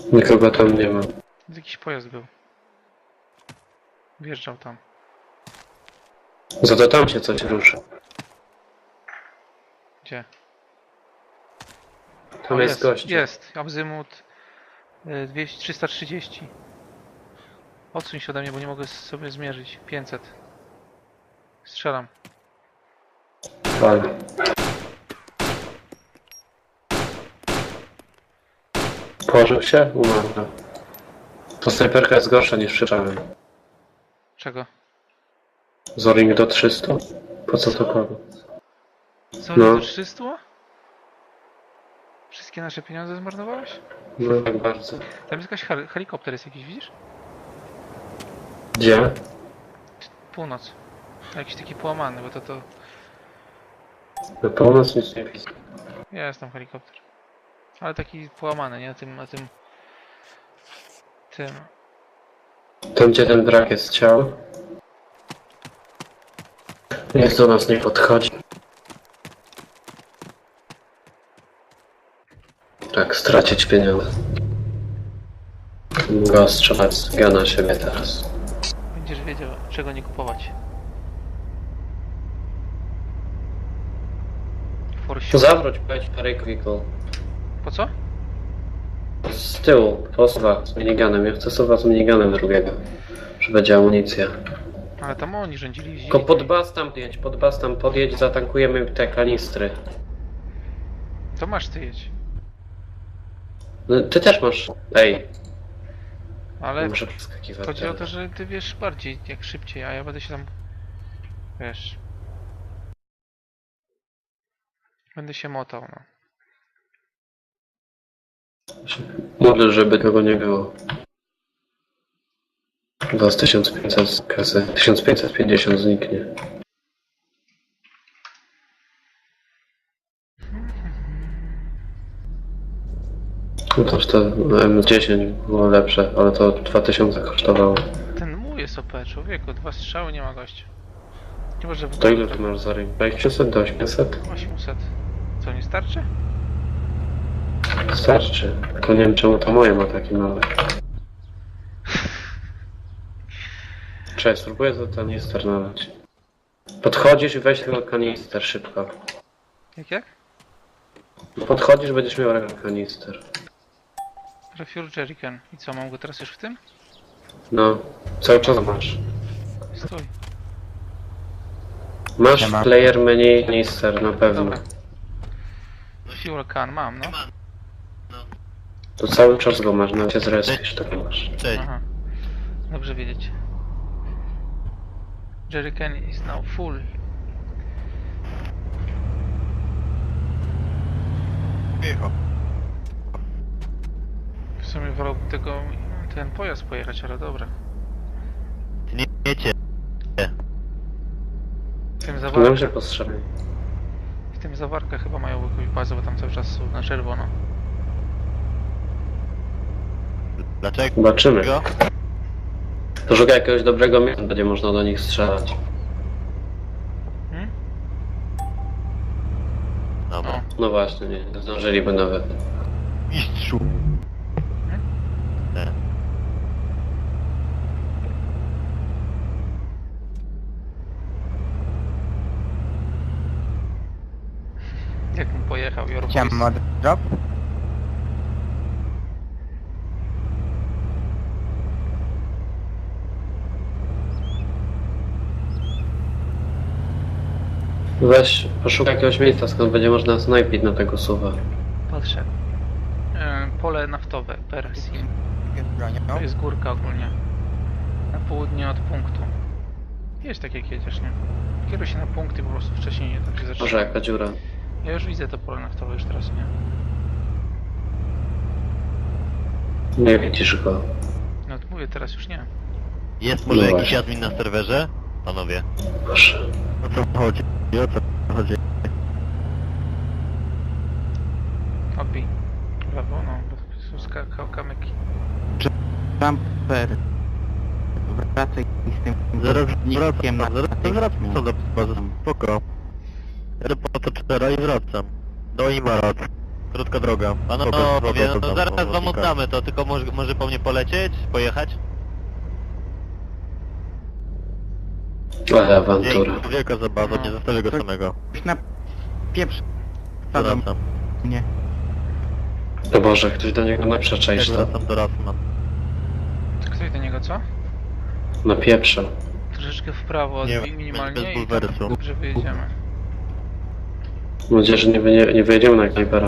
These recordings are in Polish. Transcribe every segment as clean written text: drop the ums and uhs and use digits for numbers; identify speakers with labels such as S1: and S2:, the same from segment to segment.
S1: Nikogo tam nie ma.
S2: Jakiś pojazd był. Wjeżdżał tam.
S1: Za to tam się coś ruszy.
S2: Gdzie?
S1: Tam
S2: O,
S1: jest gość.
S2: Jest. Azymut 330. Odsuń się ode mnie, bo nie mogę sobie zmierzyć. 500. Strzelam.
S1: Fajnie. Położył się? Umarł. To snajperka jest gorsza niż przyszedłem.
S2: Czego?
S1: Zoring do 300? Po co to kogo?
S2: Co,
S1: No.
S2: do 300? Wszystkie nasze pieniądze zmarnowałeś?
S1: No tak bardzo.
S2: Tam jest jakaś helikopter jest jakiś, widzisz?
S1: Gdzie?
S2: Północ. Jakiś taki połamany, bo to...
S1: Na północ nic nie widzę.
S2: Jest tam helikopter. Ale taki połamany, nie? Tym...
S1: Tam gdzie ten brak jest ciał. Niech do nas nie podchodzi. Tak, stracić pieniądze. Mogę strzelać na siebie teraz.
S2: Będziesz wiedział, czego nie kupować.
S1: Zawróć, pojedź parę quickle.
S2: Po co?
S1: Z tyłu, posuwa z miniganem. Ja chcę suwa z miniganem drugiego. Że będzie amunicja.
S2: Ale tam oni rządzili.
S1: Tylko pod bas tam podjedź, zatankujemy te kanistry.
S2: To masz ty jedź.
S1: No, ty też masz. Ej,
S2: Ale
S1: muszę przeskakiwać.
S2: chodzi o to, że ty wiesz bardziej, jak szybciej, a ja będę się tam... Wiesz... Będę się motał, no.
S1: Modlę, żeby tego nie było. Do 1500 z kasy. 1550 zniknie. No toż to M10 było lepsze, ale to 2000 kosztowało.
S2: Ten mój jest OP, człowieku, 2 strzały nie ma gościa. Nie może w
S1: To ile ty masz za ring? 500 do 800?
S2: 800. Co, nie starczy?
S1: Starczy. Tylko nie wiem czemu to moje ma taki mały. Cześć, spróbuję za kanister nalać. Podchodzisz i weź tylko kanister szybko.
S2: Jak?
S1: Podchodzisz, będziesz miał kanister.
S2: Refuel jerrycan. I co, mam go teraz już w tym?
S1: No, cały czas masz.
S2: Stój.
S1: Masz
S3: Nie ma.
S1: player menu kanister na pewno.
S2: Dobra. Fuel can mam, no.
S1: To cały czas go masz, nawet się zrespisz, tak masz.
S3: Cześć.
S2: Aha. Dobrze wiedzieć. Jerrycan is now full.
S3: Micho.
S2: W sumie wolałbym ten pojazd pojechać, ale dobra.
S3: Ty nie wiecie.
S2: W tym
S1: Dobrze
S2: zawarka,
S1: postrzelaj.
S2: w tym zawarka chyba mają jakąś bazę, bo tam cały czas są na czerwono.
S3: Dlaczego?
S1: Zobaczymy. To szukaj jakiegoś dobrego miejsca, będzie można do nich strzelać.
S2: Hmm?
S3: Dobra.
S1: No właśnie, nie zdążyliby nawet.
S3: Mistrzu. Nie.
S2: Jak bym pojechał, Your
S4: Chciałem
S2: Voice.
S4: mod drop.
S1: Weź, poszukaj jakiegoś miejsca, skąd będzie można snajpić na tego suwa.
S2: Patrzę. Pole naftowe, Persim.
S4: Bronią.
S2: To jest górka ogólnie. Na południe od punktu. Jedź tak jak jedziesz, nie? Kieruj się na punkty po prostu wcześniej, nie tak się zaczyna.
S1: Może jaka dziura.
S2: Ja już widzę to pole naftowe już teraz, nie?
S1: Nie widzisz go.
S2: No to mówię, teraz już nie.
S3: Jest może
S1: No
S3: jakiś
S1: właśnie.
S3: admin na serwerze? Panowie.
S1: Proszę.
S3: O co chodzi? O co chodzi?
S2: Odbij. W lewo, no, bo są kamyki.
S4: Jumper. Wracaj z tym
S3: Zaraz
S4: nikiem na
S3: wracam,
S4: tej
S3: zaraz co do bazy. Spoko. Jadę po to cztera i wracam. Do Imarat. Krótka droga. Panowie, no zaraz wam oddamy to, tylko może po mnie polecieć? Pojechać?
S1: Ale awantura.
S3: Dzięki, wielka zabawa, nie zostawię go samego.
S4: Już na pieprz. Wsadzą
S3: Doracam.
S4: mnie.
S1: No Boże, ktoś do niego naprzecza iść tam.
S3: Doracam.
S2: Ktoś do niego co?
S1: Napieprza.
S2: Troszeczkę w prawo odbij minimalnie
S3: bez
S2: i
S3: bulwersu.
S2: tak, że wyjedziemy.
S1: Mam nadzieję, że nie wyjedziemy na knajpera.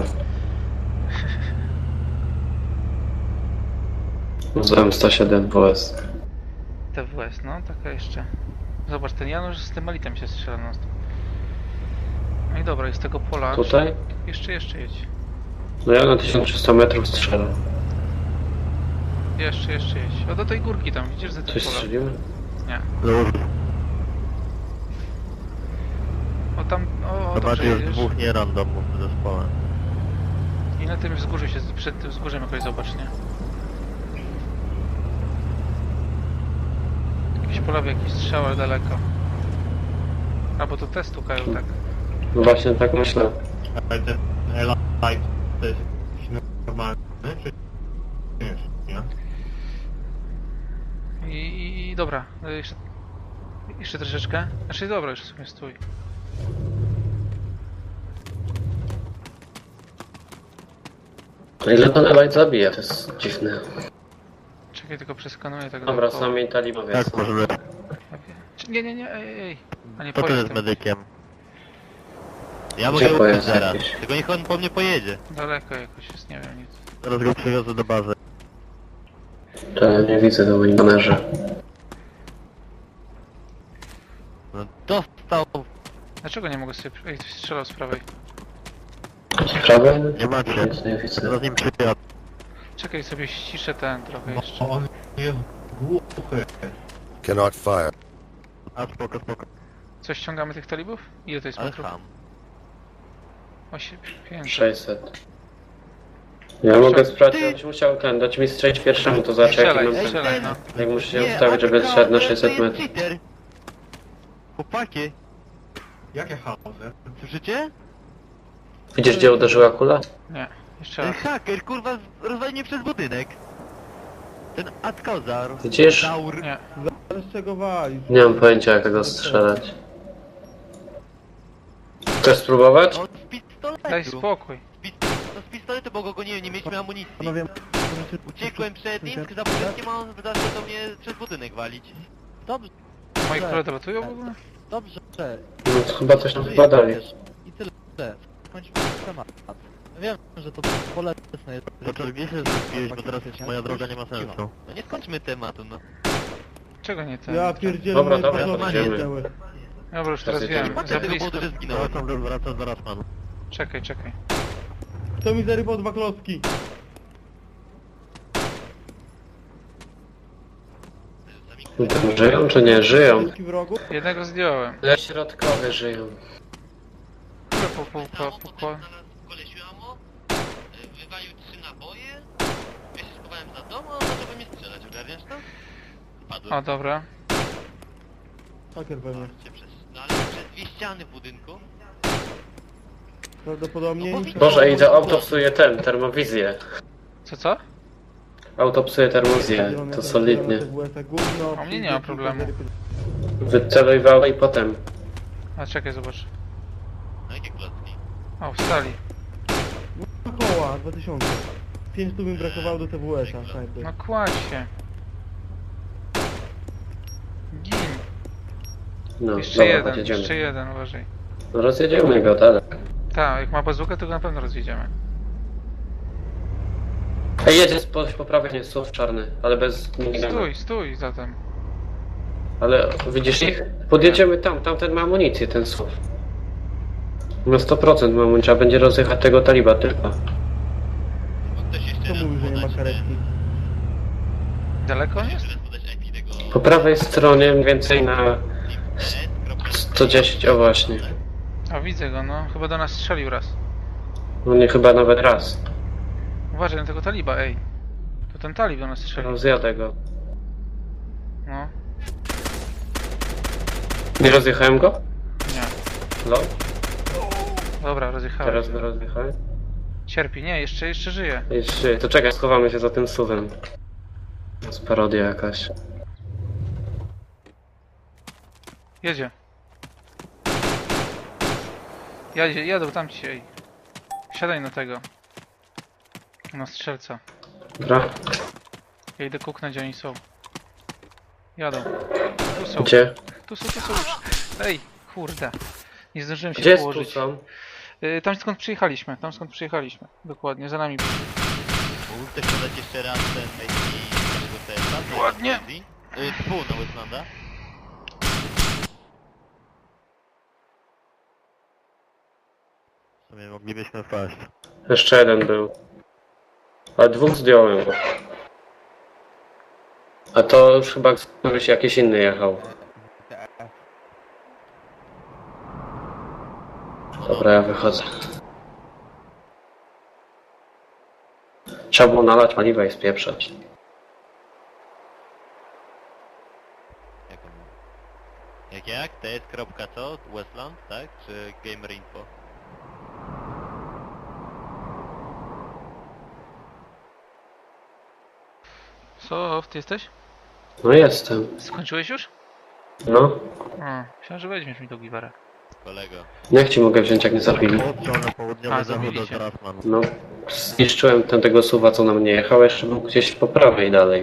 S1: Z M107 WS.
S2: TWS, no taka jeszcze. Zobacz, ten Janusz z tym elitem się strzela non stop. No i dobra, i z tego pola...
S1: Tutaj?
S2: Jeszcze jedź.
S1: No ja na 1300 metrów strzelam.
S2: Jeszcze jedź. O, do tej górki tam, widzisz, za tym
S1: Coś
S2: pola?
S1: strzeliłem?
S2: Nie.
S3: Już,
S2: O tam, o
S3: zobaczcie,
S2: dobrze
S3: jest
S2: jedziesz.
S3: dwóch nierandomów w zespole.
S2: I na tym wzgórzu się, przed tym wzgórzem jakoś zobacz, nie? Jakiś polowy, jakiś strzał, ale daleko. Albo to te stukają, tak.
S1: No właśnie tak myślę.
S5: Ale ten L-Light to jest jakiś normalny, czy nie?
S2: I dobra, jeszcze troszeczkę. Znaczy dobra, już sobie stój.
S1: A ile ten Elite zabija? To jest dziwne.
S2: Czekaj, tylko przeskanuję tak
S1: Dobra,
S2: dookoła.
S1: sami talibowie.
S3: Tak, możemy.
S2: Nie, ej. A nie
S3: To ty
S2: pojedź
S3: jest
S2: tym.
S3: medykiem. Ja
S1: Gdzie
S3: mogę uczyć
S1: pojazd
S3: zaraz,
S1: jakiś?
S3: tylko niech on po mnie pojedzie.
S2: Daleko jakoś jest, nie wiem nic.
S3: Zaraz go przywiozę do bazy.
S1: To ja nie widzę do moim banerze.
S3: No, dostał.
S2: Dlaczego nie mogę sobie... Ej, ktoś strzelał z prawej.
S1: Z prawej?
S3: Nie macie.
S1: Nic nie widzę.
S3: Zaraz nim przyjadę.
S2: Czekaj, sobie ściszę ten trochę jeszcze.
S5: Bo on jest głuchy.
S6: Cannot fire.
S3: A spoko.
S2: Co, ściągamy tych talibów? Ile to jest
S3: Ale
S2: metrów?
S3: ham.
S2: 500.
S1: 600. Ja mogę sprawdzić, ja byś musiał dać mi strzelić pierwszemu, to zobaczę jaki mam ten.
S2: Strzelaj, no.
S1: Jak muszę się ustawić, żeby zszedł na 600 metrów.
S3: Chłopaki,
S5: Jakie Hauser?
S3: słyszycie?
S1: Widzisz gdzie uderzyła kula?
S2: Nie, jeszcze
S3: Ten
S2: raz.
S3: haker, kurwa, rozwalił mnie przez budynek. Ten Atkozar.
S1: Widzisz?
S3: Daur.
S2: Nie.
S5: Z czego wali?
S1: Nie mam pojęcia jak go strzelać. Chcesz spróbować?
S3: No, z pistoletu.
S2: Daj spokój.
S3: No z pistoletu, bo go nie mieliśmy amunicji.
S5: Panowie,
S3: Uciekłem przed nim za budynkiem, a on zaczął do mnie przez budynek walić. Dobrze,
S2: Moi koledzy ratują w ogóle?
S3: dobrze.
S1: No to chyba coś tam wpadali.
S3: I tyle. Kończmy temat. Wiem, że to bolesne jest. To gdzie się zrespiłeś, bo teraz moja droga nie ma sensu. No nie skończmy tematu, no.
S2: Czego nie ten?
S5: ja pierdzielę,
S1: Dobra,
S5: moje
S1: dobra,
S5: paznokcie
S1: to idziemy.
S5: zjadły.
S2: Dobra, już teraz
S1: Jedziemy.
S2: wiem.
S3: Patrzę
S2: Za
S3: tego
S2: blisko.
S3: powodu, że zginąłem. Wracam zaraz panu.
S2: Czekaj.
S5: Kto mi zarybał 2 klocki?
S1: No to żyją czy nie? Żyją.
S5: Klocki wrogów?
S2: Jednego zdjąłem.
S1: Ale środkowe żyją.
S2: Które po...
S3: Kolesiu amo, wywalił 3 naboje, ja się schowałem za dom, a on zaczął we mnie strzelać, ogarniasz to? Padłem.
S2: O, dobra.
S5: Haker pewnie.
S3: No ale przez 2 ściany w budynku.
S5: Prawdopodobnie...
S3: No bo
S5: nic-
S1: Boże, i to auto psuje termowizję.
S2: Co?
S1: Auto psuje termowizję,
S5: Zielone,
S1: to
S5: zielone
S1: solidnie.
S5: TWS-a, gówno,
S2: A u mnie nie ma problemu.
S1: Wycelowało i potem.
S2: A czekaj, zobacz.
S3: No jakie klocki?
S2: O, wstali.
S5: Koła, 2000. 500 mi brakowało do TWS-a, snajper.
S2: No kładź się. Gin.
S1: No,
S2: Jeszcze
S1: dobra,
S2: jeden,
S1: jedziemy.
S2: jeszcze jeden, uważaj.
S1: No rozjedziemy go, tak.
S2: Tak, jak ma bazookę, to go na pewno rozjedziemy.
S1: Ej, jedzie po prawej, nie, SUV czarny, ale bez minigana.
S2: Stój zatem.
S1: Ale widzisz ich? Podjedziemy tam, tamten ma amunicję, ten SUV. Na 100% ma amunicję, a będzie rozjechać tego taliba tylko.
S3: Bo ktoś jeszcze
S5: Kto
S3: raz
S5: mówi, że nie ma
S3: podać
S5: karetki?
S2: Daleko on jest?
S3: Jeszcze raz podać IP tego...
S1: Po prawej stronie mniej więcej na 110, o właśnie.
S2: A widzę go, no. Chyba do nas strzelił raz.
S1: No nie chyba nawet raz.
S2: Uważaj na tego taliba, ej. To ten talib do nas strzelił.
S1: Rozjadę go.
S2: No.
S1: Nie rozjechałem go?
S2: Nie.
S1: No,
S2: Dobra, rozjechałem.
S1: teraz go rozjechałem.
S2: Cierpi, nie, jeszcze żyje.
S1: Jeszcze, to czekaj, schowamy się za tym suwem. To jest parodia jakaś.
S2: Jedzie. Jadą tam dzisiaj. Siadaj na tego. Na strzelca.
S1: Dobra?
S2: Ja idę kuknąć, gdzie oni są. Jadą. Tu są.
S1: Gdzie?
S2: Tu są już. Ej, kurde. Nie zdążyłem się
S1: Gdzie jest tu
S2: położyć.
S1: są?
S2: Tam skąd przyjechaliśmy, Dokładnie, za nami.
S3: Mógł ktoś podać jeszcze raz ten IP tego TS-a?
S2: Ładnie.
S3: Na Westlanda. W sumie moglibyśmy wpaść.
S1: Jeszcze jeden był. Ale dwóch zdjąłem. A to już chyba któryś jakiś inny jechał. Dobra, ja wychodzę. Trzeba było nalać paliwa i spieprzać.
S3: Jak? TS.co? Westland, tak? Czy Gamer Info?
S2: Co, ty jesteś?
S1: No jestem.
S2: Skończyłeś już?
S1: No.
S2: A, myślałem, że weźmiesz mi do giwara.
S3: Kolego.
S1: Jak ci mogę wziąć, jak nie zabili?
S3: Stronę południowy
S2: A,
S3: zachód
S2: zabili
S3: od
S2: cię.
S3: Rasman.
S1: No. Zniszczyłem tego suwa, co na mnie jechał, jeszcze był gdzieś po prawej dalej.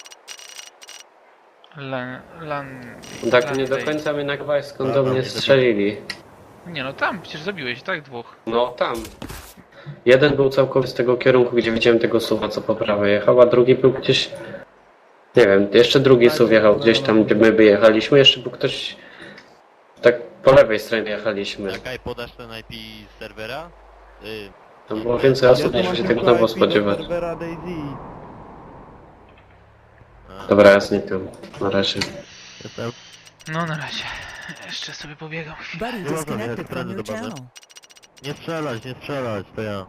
S1: Tak nie do końca mnie nagrywałeś, skąd do mnie strzelili.
S2: Nie no tam, przecież zabiłeś, tak? Dwóch.
S1: No tam. Jeden był całkowicie z tego kierunku, gdzie widziałem tego suwa, co po prawej jechał, a drugi był gdzieś... Nie wiem, jeszcze drugi suw jechał gdzieś tam, gdzie my wyjechaliśmy, jeszcze był ktoś... Tak po lewej stronie jechaliśmy.
S3: Czekaj, podasz ten IP z serwera?
S1: Tam było więcej osób, niż się tego było spodziewać. Dobra, ja znikam. Na razie.
S2: No na razie. Jeszcze sobie pobiegam.
S7: Buddy
S3: Nie można
S7: disconnected
S3: jechać
S7: from
S3: prędzej
S7: your
S3: do bazy.
S7: channel.
S3: Nie strzelać, to ja.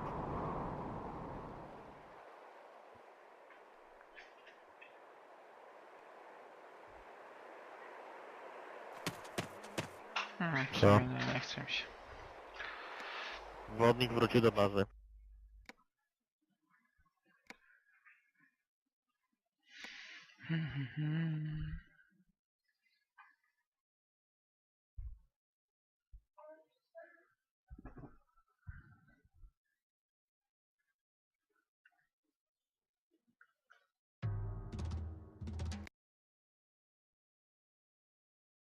S3: Co?
S2: Nie chcę mi się.
S3: Wodnik wrócił do bazy.